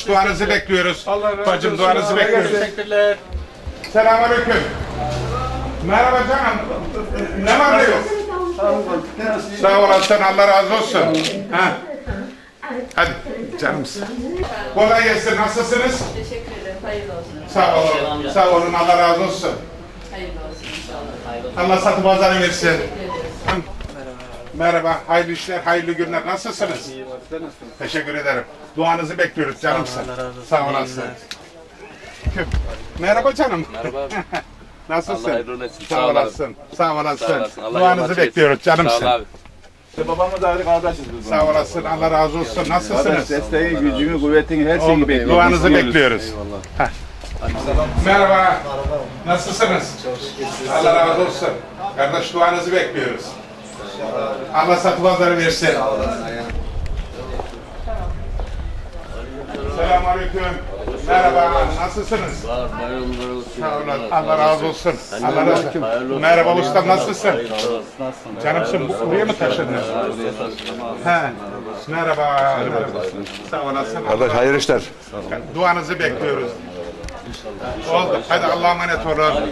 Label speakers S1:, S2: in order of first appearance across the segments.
S1: Duanızı bekliyoruz. Bacım duanızı bekliyoruz.
S2: Teşekkürler.
S1: Selamünaleyküm. Merhaba canım. Ne var ne yok? Sağ olasın, Allah razı olsun. Ha. Hadi canımsın. Kolay gelsin, nasılsınız?
S3: Teşekkür ederim. Hayırlı olsun.
S1: Sağ olun, sağ olun, Allah razı olsun.
S3: Hayırlı olsun inşallah.
S1: Allah satı pazarı versin. Merhaba, hayırlı işler, hayırlı günler. Nasılsınız? Teşekkür ederim. Duanızı bekliyoruz canımsın. Sağ olasın. Merhaba canım.
S2: Merhaba.
S1: Nasılsın?
S2: Allah hayırlı olsun.
S1: Sağ olasın. Sağ olasın.
S2: Sağ olasın. Allah
S1: Duanızı
S2: yardımcı
S1: bekliyoruz
S2: etsin.
S1: canımsın.
S2: Sağ ol abi.
S4: Babamla da ayrı kardeşiz biz.
S1: Sağ olasın. Allah razı olsun. Nasılsınız?
S4: Desteği, gücünü, kuvvetini, her şeyi bekliyoruz.
S1: Duanızı bekliyoruz. Heh. Merhaba. Nasılsınız? Allah razı olsun. Kardeş duanızı bekliyoruz. Allah satı pazarı versin. Selamünaleyküm. Merhaba. Nasılsınız? Sağ olun. Allah razı olsun. Allah razı olsun. Merhaba ustam, nasılsın? Canımsın, buraya mı taşındın? He. Merhaba. Sağ olasın.
S4: Kardeş hayırlı işler.
S1: Duanızı bekliyoruz. Oldu. Hadi Allah'a emanet olun.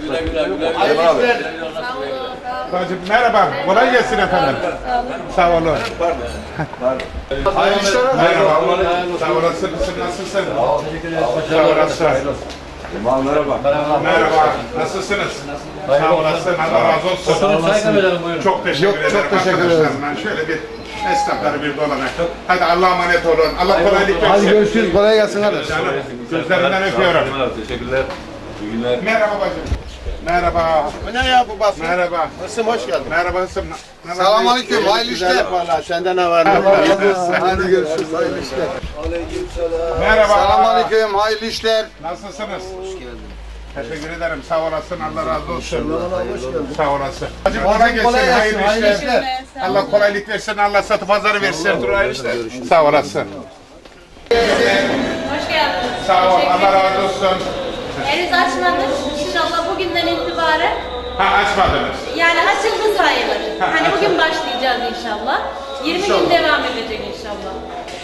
S1: Bacım merhaba. Kolay gelsin efendim. Sağ olun.
S4: Hayırlı işler.
S1: Merhaba. Sağ olasın. Nasılsın? Sağ olasın.
S4: Merhaba.
S1: Merhaba. Nasılsınız? Sağ olasın. Allah razı olsun. Çok teşekkür ederim. Çok teşekkür ederim. Ben şöyle bir esnafları bir dolanayım. Hadi Allah'a emanet olun. Allah kolaylık versin.
S5: Hadi görüşürüz. Kolay gelsin kardeş.
S1: Canım. Gözlerinden öpüyorum.
S4: Teşekkürler. İyi günler.
S1: Merhaba bacım. Merhaba.
S5: Bu ne ya bu basın?
S1: Merhaba.
S5: Nasılsın? Hoş geldin.
S1: Merhaba Hısım.
S5: Selamünaleyküm. Hayırlı işler. Valla sende ne var? Hadi görüşürüz. Hayırlı işler.
S1: Merhaba.
S5: Selamünaleyküm. Hayırlı işler.
S1: Nasılsınız? Hoş geldin. Teşekkür ederim. Sağ olasın. Allah razı olsun. Sağ olasın. Hacım kolay gelsin. Hayırlı işler. Allah kolaylık versin. Allah satı pazarı versin. Hayırlı işler. Sağ olasın.
S3: Hoş geldiniz.
S1: Sağ ol.
S3: Teşekkür
S1: Allah
S3: ederim.
S1: razı olsun.
S3: Henüz açmadık. İnşallah bugünden itibaren
S1: Ha açmadınız.
S3: yani açıldı sayılır. Hani bugün başlayacağız inşallah. 20 gün devam edecek inşallah.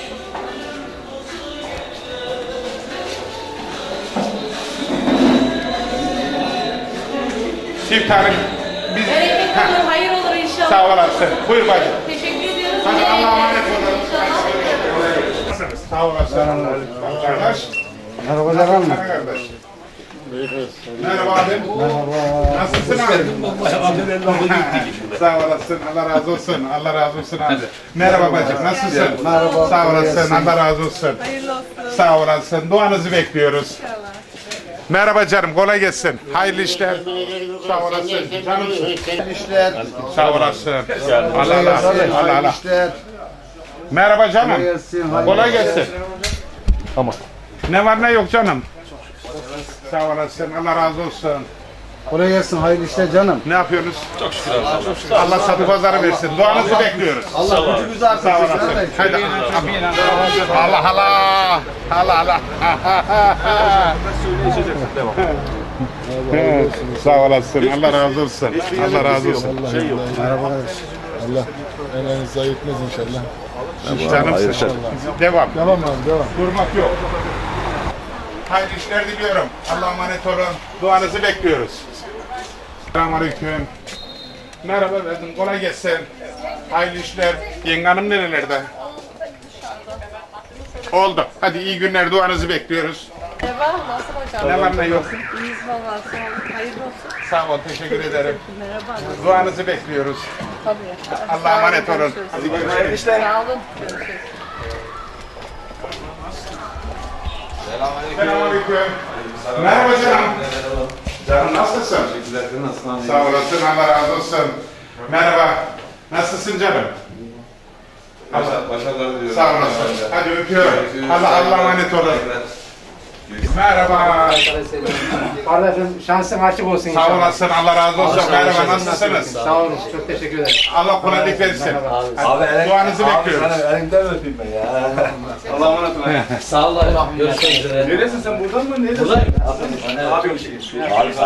S1: Çift hanım. Biz...
S3: Bereket
S1: Ha,
S3: olur, hayır olur inşallah.
S1: sağ olasın. Buyur bacım.
S3: Teşekkür ediyoruz.
S1: Hadi
S3: Bereket
S1: Allah'a emanet
S3: olur
S1: olun.
S3: inşallah.
S1: Sağ olasın. Kardeş.
S5: Merhaba canım.
S1: Kardeş. Merhaba abi. Nasılsın abi? Sağ olasın. Allah razı olsun. Allah razı olsun abi. Merhaba bacım. Nasılsın?
S5: Merhaba.
S1: Sağ olasın. Allah razı olsun.
S3: Hayırlı olsun.
S1: Sağ olasın. Duanızı bekliyoruz. Merhaba canım. Kolay gelsin. Hayırlı işler. Sağ olasın. Canımsın.
S5: Hayırlı işler.
S1: Sağ olasın. Allah Allah. Allah
S5: Hayırlı
S1: Allah.
S5: işler.
S1: Merhaba canım.
S5: Kolay gelsin.
S1: Kolay gelsin. Tamam. Ne var ne yok canım. Sağ olasın. Allah razı olsun.
S5: Kolay gelsin. Hayırlı işler canım.
S1: Ne yapıyorsunuz? Çok şükür. Allah satı pazarı versin. Duanızı bekliyoruz.
S5: Allah gücünüzü
S1: Sağ
S5: artırsın.
S1: olasın.
S5: kardeş.
S1: Haydi. Allah Allah. Allah Allah. Evet, sağ olasın. Allah razı olsun. Allah razı olsun.
S5: Merhaba kardeş.
S6: Allah elinizi ayırtmaz inşallah.
S1: Canımsın. Devam.
S5: Devam abi devam.
S1: Durmak yok. Hayırlı işler diliyorum. Allah'a emanet olun. Duanızı bekliyoruz. Selamünaleyküm. Merhaba efendim. Kolay gelsin. Hayırlı işler. Yenge hanım nerelerde? Oldu. Hadi iyi günler. Duanızı bekliyoruz.
S7: Merhaba, nasıl hocam?
S1: Ne var ne yok?
S7: İyiyiz valla, sağ olun. Hayırlı olsun.
S1: Sağ ol. Teşekkür ederim.
S7: Merhaba.
S1: Duanızı bekliyoruz.
S7: Tabii.
S1: Allah'a emanet olun.
S7: Görüşürüz.
S1: Hadi görüşürüz.
S7: Sağ olun. Görüşürüz.
S1: Selamünaleyküm. Merhaba canım. Canım nasılsın? Sağ olasın. Allah razı olsun. Merhaba. Nasılsın canım?
S4: Başarılar diliyorum.
S1: Sağ olasın. Hadi öpüyorum. Allah'a emanet olun. Merhaba.
S8: Kardeşim şansın açık olsun
S1: Sağ
S8: inşallah.
S1: olasın. Allah razı olsun. Merhaba. Nasılsınız?
S8: Sağ olun. Çok teşekkür ederim.
S1: Allah kolaylık versin. Hadi, duanızı bekliyoruz.
S4: Elimden öpeyim ben ya. Allah'a emanet olun.
S2: Sağ olun. Görüşmek üzere.
S4: Neresin sen buradan mı? Neresin?
S2: Buradayım.
S4: Abi bir şey.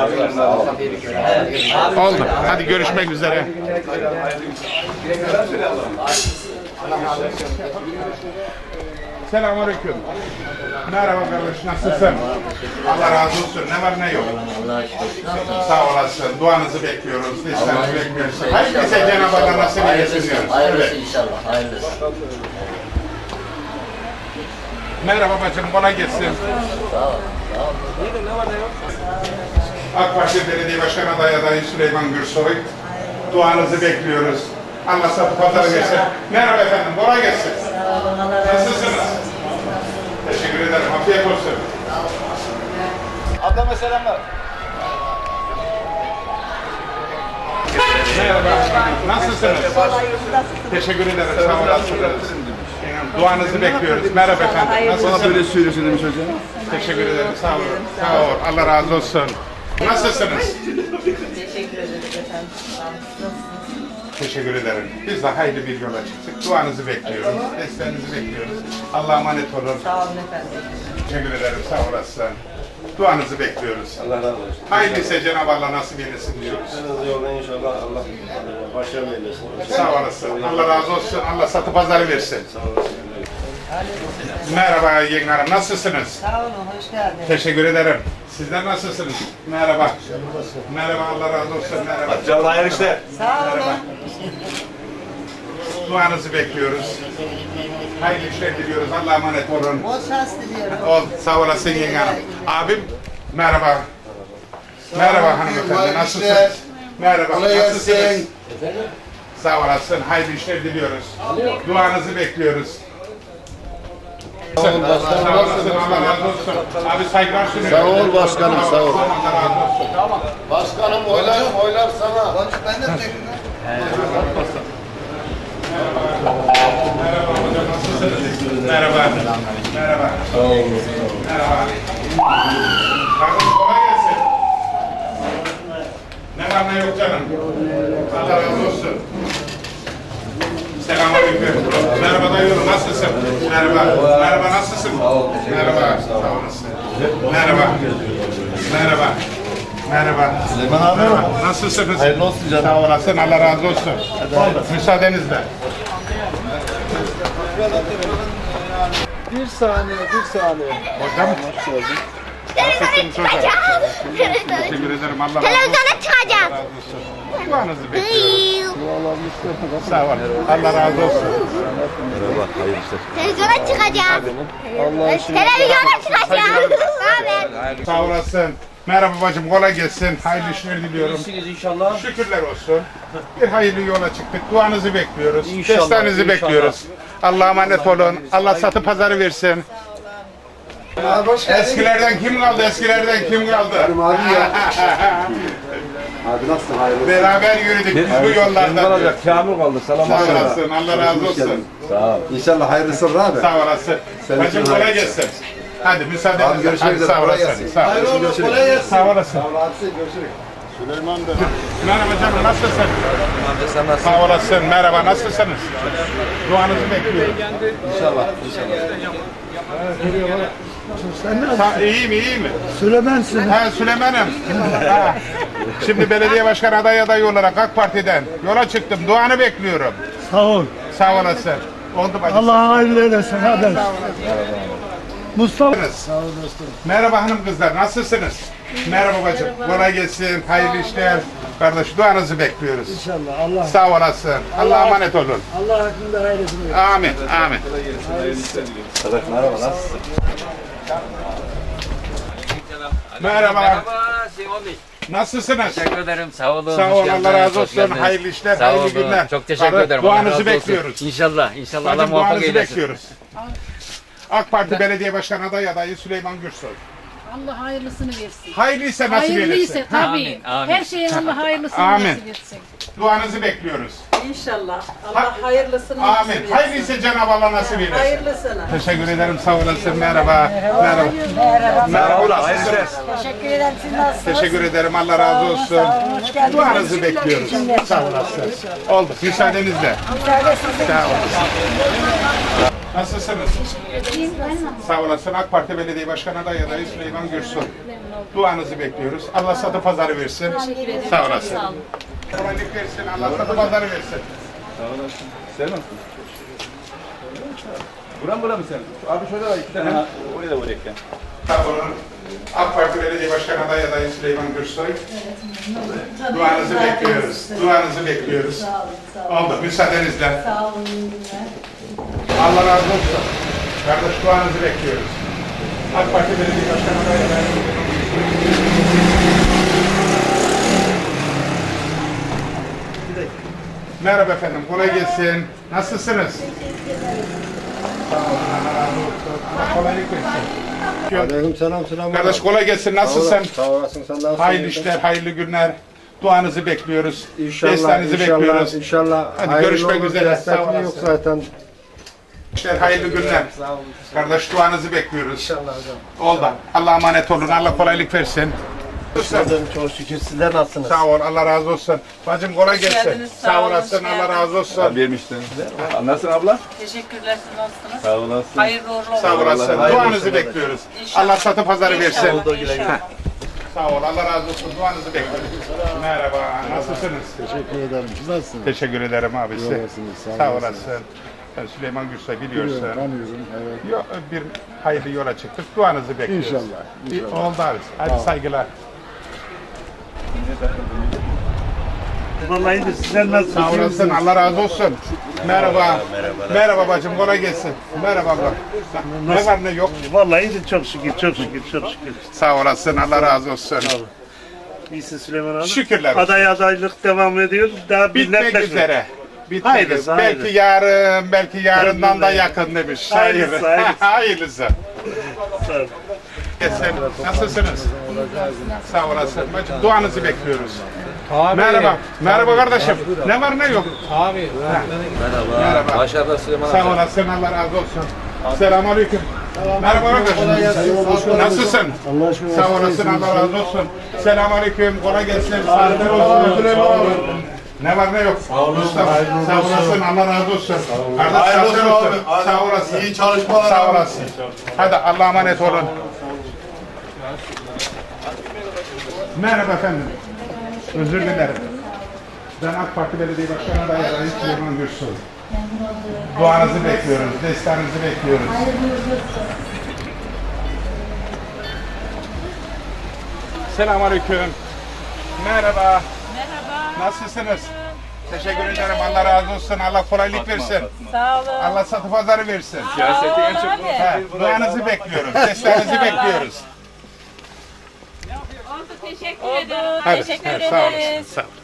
S4: Abi
S1: Oldu. Hadi görüşmek üzere. Selamünaleyküm. Merhaba kardeş, nasılsın? Allah razı olsun. Ne var ne yok?
S2: Allah'a şükür. Nasılsın?
S1: Sağ olasın. Duanızı bekliyoruz. Listenizi bekliyoruz. Hayırlısı Cenab-ı Allah nasip eylesin diyoruz.
S2: Hayırlısı inşallah. Hayırlısı.
S1: Merhaba bacım, kolay gelsin.
S2: Sağ ol.
S1: AK Parti Belediye Başkan adayı Süleyman Gürsoy. Duanızı bekliyoruz. Allah satı pazarı versin. Merhaba efendim, kolay gelsin. Nasılsınız? Teşekkür ederim, afiyet olsun.
S4: Adama selamlar.
S1: Merhaba, nasılsınız? Teşekkür ederim, sağ olasınız. Duanızı bekliyoruz. Merhaba efendim, nasılsınız?
S4: söylüyorsun demiş hocam.
S1: Teşekkür ederim, sağ olun. Sağ ol, Allah razı olsun. Nasılsınız?
S7: Teşekkür ederiz efendim.
S1: Teşekkür ederim. Biz de hayırlı bir yola çıktık. Duanızı bekliyoruz, desteğinizi bekliyoruz. Allah'a emanet olun.
S7: Sağ olun efendim.
S1: Teşekkür ederim, sağ olasın. Duanızı bekliyoruz.
S4: Allah razı olsun.
S1: Hayırlısı Cenab-ı Allah nasip eylesin diyoruz.
S4: Sen yolda inşallah Allah başarılı eylesin.
S1: Sağ olasın. Allah razı olsun. Allah satı pazarı versin. Merhaba Yenge Hanım, nasılsınız?
S7: Sağ olun, hoş geldiniz.
S1: Teşekkür ederim. Sizler nasılsınız? Merhaba. Merhaba, Allah razı olsun. Merhaba.
S4: Canlı hayırlı işler.
S7: Sağ olun.
S1: Duanızı bekliyoruz. Hayırlı işler diliyoruz. Allah'a emanet olun.
S7: Bol şans diliyorum.
S1: Ol, sağ olasın Yenge Hanım. Abim, merhaba. Merhaba hanımefendi, nasılsınız? Merhaba,
S5: Kolay
S1: nasılsınız?
S5: gelsin.
S1: Sağ olasın, hayırlı işler diliyoruz. Duanızı bekliyoruz. Sağ olasın, Allah razı olsun. Abi saygılar sunuyorum.
S5: Sağ ol başkanım, sağ ol.
S1: Allah razı olsun.
S5: Başkanım oylar sana. Ben de
S1: Merhaba hocam, nasılsınız? Merhaba. Merhaba. Merhaba. Kardeşim kolay gelsin. Ne var ne yok canım. Allah razı olsun. Selamünaleyküm. Merhaba dayıoğlu, nasılsın? Merhaba. Merhaba, nasılsın? Merhaba. Sağ olasın. Merhaba. Merhaba. Merhaba.
S5: Süleyman abi.
S1: Merhaba. Nasılsınız?
S5: Hayırlı olsun canım.
S1: Sağ olasın, Allah razı olsun. Müsaadenizle.
S5: Bir saniye.
S1: Hocam. Nasılsınız hocam? Teşekkür ederim, Allah razı olsun.
S9: Televizyona çıkacağım.
S1: Allah razı olsun. Duanızı bekliyorum. Sağ olun. Allah razı olsun.
S9: Televizyona çıkacağım. Televizyona çıkacağım. Ne haber?
S1: Sağ olasın. Merhaba bacım, kolay gelsin. Hayırlı işler diliyorum.
S2: İyisiniz inşallah.
S1: Şükürler olsun. Bir hayırlı yola çıktık. Duanızı bekliyoruz.
S2: İnşallah,
S1: Desteğinizi
S2: inşallah.
S1: bekliyoruz. Allah'a emanet olun. Allah satı pazarı versin. Eskilerden kim kaldı? Eskilerden kim kaldı?
S5: Abi ya. Abi nasılsın? Hayırlı.
S1: Beraber yürüdük biz bu yollarda.
S4: Kamil kaldı. Selam
S1: Sağ olasın. Allah razı olsun.
S5: Sağ ol. İnşallah hayırlısı olur abi.
S1: Sağ olasın.
S5: Senin
S1: Bacım
S5: için
S1: kolay
S5: hayırlısı.
S1: gelsin. Hadi müsaadenizle.
S5: Abi görüşmek
S1: Hadi
S5: üzere.
S1: sağ
S5: Kolay
S1: olasın.
S5: gelsin.
S1: Sağ
S5: Hayırlı
S1: olasın.
S5: olsun. Kolay gelsin.
S1: Sağ olasın.
S5: Görüşürüz. Süleyman da.
S1: Merhaba canım, nasılsın? Sağ olasın. Merhaba, nasılsınız? Duanızı bekliyorum.
S5: İnşallah.
S1: İyi mi, iyi mi?
S5: Süleyman'sın.
S1: He, Süleyman'ım. Ha. Şimdi belediye başkan adayı olarak AK Parti'den yola çıktım. Duanı bekliyorum.
S10: Sağ ol.
S1: Sağ olasın. Oldu bacım.
S10: Allah hayırlı eylesin. Hadi. Mustafa.
S1: Sağ olun dostum. Merhaba hanım kızlar, nasılsınız? Merhaba bacım, kolay gelsin, hayırlı işler. Kardeş, duanızı bekliyoruz.
S10: İnşallah. Allah.
S1: Sağ olasın. Allah'a emanet olun.
S10: Allah hakkında hayırlısını.
S1: Amin, amin.
S4: Merhaba nasılsın?
S1: Merhaba. Nasılsınız?
S2: Teşekkür ederim. Sağ olun.
S1: Sağ
S2: hoş
S1: olun,
S2: geldiniz,
S1: Allah razı
S2: hoş
S1: olsun.
S2: geldiniz.
S1: Hayırlı işler,
S2: Sağ
S1: hayırlı
S2: olun.
S1: günler.
S2: Çok teşekkür ederim. Allah
S1: Duanızı
S2: razı olsun.
S1: bekliyoruz.
S2: İnşallah. İnşallah Allah
S1: Bacım,
S2: muvaffak
S1: duanızı
S2: eylesin.
S1: bekliyoruz. AK Parti Belediye Başkan adayı Süleyman Gürsoy.
S7: Allah hayırlısını versin.
S1: Hayırlıysa nasip
S7: Hayırlıysa
S1: eylesin.
S7: tabii.
S2: Amin, amin.
S7: Her şeyin Allah hayırlısını
S1: Amin.
S7: nasip etsin.
S1: Duanızı bekliyoruz.
S7: İnşallah. Allah hayırlısını
S1: Amin. Hayırlıysa Cenab-ı Allah nasip eylesin.
S7: Hayırlısını.
S1: Teşekkür ederim, sağ olasın. Merhaba. Merhaba. Merhaba. Nasılsınız?
S7: Teşekkür ederim. Siz nasılsınız?
S1: Teşekkür ederim, Allah razı olsun.
S7: Hoş geldiniz.
S1: Duanızı bekliyoruz. Sağ olasın. Oldu, müsaadenizle. Sağ olasın. Nasılsınız? Sağ olasın. AK Parti Belediye Başkan adayı Süleyman Gürsoy. Duanızı bekliyoruz. Allah satı pazarı versin. Sağ olasın.
S3: Sağ olun.
S1: Kolaylık versin. Allah satı pazarı versin.
S4: Sağ olasın. Sen nasılsın? Bura mı sen? Abi şöyle var 2 tane. Oraya da vurayım ya.
S1: Sağ olun. AK Parti Belediye Başkanı adayı Süleyman Gürsoy. Duanızı bekliyoruz. Duanızı bekliyoruz. Oldu. Müsaadenizle.
S7: Sağ olun. iyi günler.
S1: Allah razı olsun. Kardeş duanızı bekliyoruz. AK Parti Belediye Başkanı adayı Merhaba efendim. Kolay gelsin. Nasılsınız? Sağ olun. Allah razı olsun. Allah kolaylık versin.
S5: Aleyküm selam.
S1: Kardeş kolay gelsin. Nasılsın?
S5: Sağ olasın. Sen nasılsın?
S1: Hayırlı işler, hayırlı günler. Duanızı bekliyoruz.
S5: İnşallah,
S1: Desteğinizi bekliyoruz.
S5: inşallah.
S1: Hadi
S5: Hayırlı
S1: görüşmek
S5: olur,
S1: üzere.
S5: destek
S1: Sağ olasın.
S5: yok zaten.
S1: İşler, hayırlı günler. Kardeş duanızı bekliyoruz. İnşallah hocam. Oldu. Allah'a emanet olun. Allah kolaylık versin.
S5: Çok şükür sizler nasılsınız?
S1: Sağ ol. Allah razı olsun. Bacım kolay gelsin.
S7: geldiniz, sağ
S1: Sağ
S7: olun,
S1: olasın.
S7: hoş
S1: Allah
S7: geldiniz.
S1: razı olsun.
S4: Vermiştin. Nasılsın abla?
S7: Teşekkürler. Siz nasılsınız?
S4: Sağ olasın.
S7: Hayırlı uğurlu olsun.
S1: Sağ olasın.
S4: Allah
S1: Duanızı bekliyoruz.
S7: İnşallah.
S1: Allah satı pazarı versin.
S7: İnşallah.
S1: Sağ ol. Allah razı olsun. Duanızı bekliyoruz. Merhaba. Nasılsınız?
S6: Teşekkür ederim. Siz nasılsınız?
S1: Teşekkür ederim abisi.
S6: olasınız, sağ
S1: Sağ
S6: olasınız.
S1: olasın. Ben Süleyman Gürsoy biliyorsun.
S6: Tanıyorum. Evet.
S1: Bir hayırlı yola çıktık. Duanızı bekliyoruz.
S6: İnşallah.
S1: Oldu abi. Hadi saygılar.
S10: Vallahi de sizler nasılsınız?
S1: Sağ olasın. Allah razı olsun. Merhaba. Merhaba bacım. Kolay gelsin. Merhaba abla. Ne var ne yok.
S10: Vallahi de çok şükür.
S1: Sağ olasın. Allah razı olsun.
S10: İyisin Süleyman abi.
S1: Şükürler olsun.
S10: Adaylık devam ediyor. Daha bir
S1: Bitmek
S10: netleşme.
S1: üzere. Bitmek
S10: Hayırlısı,
S1: üzere.
S10: hayırlısı.
S1: Belki yarın, belki yarından da
S10: Hayırlısı.
S1: yakın demiş.
S10: Hayırlısı, hayırlısı.
S1: Hayırlısı.
S10: Sağ olun.
S1: Gelsin. Nasılsınız? Sağ olasın. Bacım duanızı bekliyoruz. Merhaba. Merhaba kardeşim. Ne var ne yok.
S8: Abi.
S1: Merhaba.
S2: Başarılar Süleyman
S1: Sağ olasın. Allah razı olsun. Selamünaleyküm. Merhaba kardeşim. Nasılsın?
S10: Allah aşkına.
S1: Sağ olasın. Allah razı olsun. Selamünaleyküm. Kolay gelsin. Saatler olsun. Ne var ne yok. Sağ olasın. Sağ olasın. Allah razı olsun. Kardeş saatler olsun. Sağ olasın. İyi çalışmalar. Sağ olasın. Hadi Allah'a emanet olun. Merhaba efendim. Özür dilerim. Ben AK Parti Belediye Başkanı adayı Süleyman Gürsoy. Duanızı bekliyoruz, desteğinizi bekliyoruz. Selamünaleyküm. Merhaba.
S7: Merhaba.
S1: Nasılsınız? Teşekkür ederim. Allah razı olsun. Allah kolaylık versin.
S7: Sağ olun.
S1: Allah satı pazarı versin.
S4: Siyaseti en çok
S1: He, duanızı bekliyoruz, desteğinizi bekliyoruz.
S3: Oldu. Teşekkür ederim.
S1: Hadi,
S3: Teşekkür
S1: sağ olasın.
S3: ederiz.
S1: Sağ olun.